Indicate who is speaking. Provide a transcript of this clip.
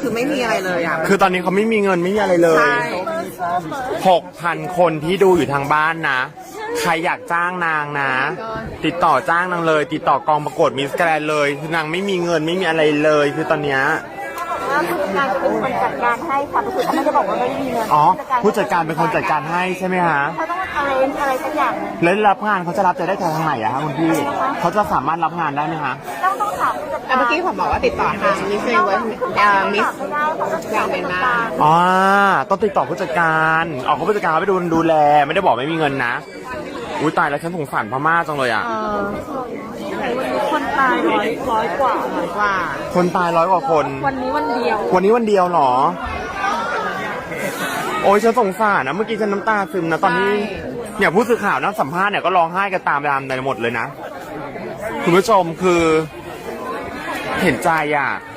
Speaker 1: คือไม่มีอะไรเลยอ่ะ
Speaker 2: คือตอนนี้เขาไม่มีเงินไม่มีอะไรเลย
Speaker 1: ใช่
Speaker 2: 6,000 คนที่ดูอยู่ทางบ้านนะ ใครอยากจ้างนางนะ ติดต่อจ้างนางเลย ติดต่อกองประกวดมิสแกรนด์เลยคือนางไม่มีเงินไม่มีอะไรเลย คือตอนเนี้ย
Speaker 3: ว่าผู้จัดการจะเป็นคนจัดการให้ค่ะก็คือเขาไม่ได้บอกว่าไม่มีเงิน
Speaker 2: อ๋อผู้จัดการเป็นคนจัดการให้ใช่ไหมฮะ
Speaker 3: เขาต้องอะไรสักอย่าง
Speaker 2: แล้วรับงานเขาจะรับจะได้ทางไหนอะคะคุณพี่เขาจะสามารถรับงานได้ไหมคะ
Speaker 3: ต้องถามผู้จัด
Speaker 1: แต่
Speaker 3: การ
Speaker 1: เมื่อกี้ผมบอกว่าติดต่อทางมิสเซเวิร์สมิส
Speaker 3: ไม่ได้เขาต้อง
Speaker 1: แกรนด์เมียนมา
Speaker 2: อ๋อต้องติดต่อผู้จัดการออกผู้จัดการเขาไปดูแลไม่ได้บอกไม่มีเงินนะอุ้ยตายแล้วฉันสงสารพม่าจังเลยอะ
Speaker 3: คนตายร้อยกว่า
Speaker 2: คนตาย100 กว่าคน
Speaker 3: วันนี้วันเดียว
Speaker 2: วันนี้วันเดียวเหรอ โอ้ยฉันสงสารนะเมื่อกี้ฉันน้ำตาซึมนะตอนนี้เนี่ยผู้สื่อข่าวนักสัมภาษณ์เนี่ยก็ร้องไห้กันตามในหมดเลยนะคุณผู้ชมคือเห็นใจอ่ะ